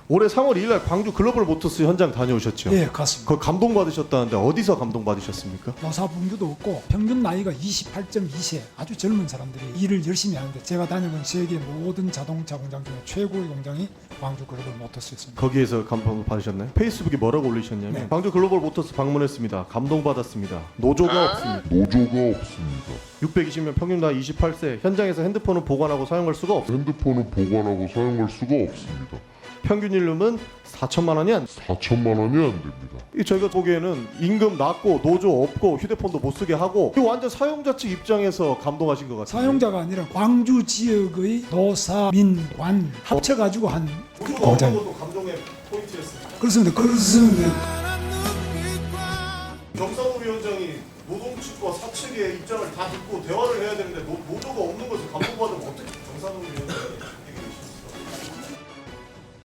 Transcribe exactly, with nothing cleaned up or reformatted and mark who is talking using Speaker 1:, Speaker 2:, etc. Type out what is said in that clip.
Speaker 1: 올해 삼월 이일날 광주 글로벌 모터스 현장 다녀오셨죠?
Speaker 2: 예, 갔습니다.
Speaker 1: 거기 감동받으셨다는데 어디서 감동받으셨습니까?
Speaker 2: 노사분규도 없고 평균 나이가 이십팔 점 이 세 아주 젊은 사람들이 일을 열심히 하는데 제가 다녀본 세계 모든 자동차 공장 중에 최고의 공장이 광주 글로벌 모터스였습니다.
Speaker 1: 거기에서 감동 받으셨나요? 페이스북에 뭐라고 올리셨냐면
Speaker 2: 네.
Speaker 1: 광주 글로벌 모터스 방문했습니다. 감동받았습니다. 노조가 없습니다.
Speaker 3: 노조가 없습니다.
Speaker 1: 육백이십 명 평균 나이 이십팔 세 현장에서 핸드폰을 보관하고 사용할 수가 없습니다.
Speaker 3: 핸드폰을 보관하고 사용할 수가 없습니다.
Speaker 1: 평균 연료는 사천만 원이 안
Speaker 3: 사천만 원이 안 됩니다.
Speaker 1: 이 저희가 보기에는 임금 낮고 노조 없고 휴대폰도 못 쓰게 하고 이 완전 사용자 측 입장에서 감동하신 것 같아요.
Speaker 2: 사용자가 아니라 광주 지역의 노사, 민, 관 합쳐가지고 한 공장.
Speaker 1: 것도 감동의 포인트였습니다.
Speaker 2: 그렇습니다. 그렇습니다.
Speaker 1: 정상우 위원장이 노동 측과 사측의 입장을 다 듣고 대화를 해야 되는데 노, 노조가 없는 것을 감동받으면 어떻게 정상우 위원장이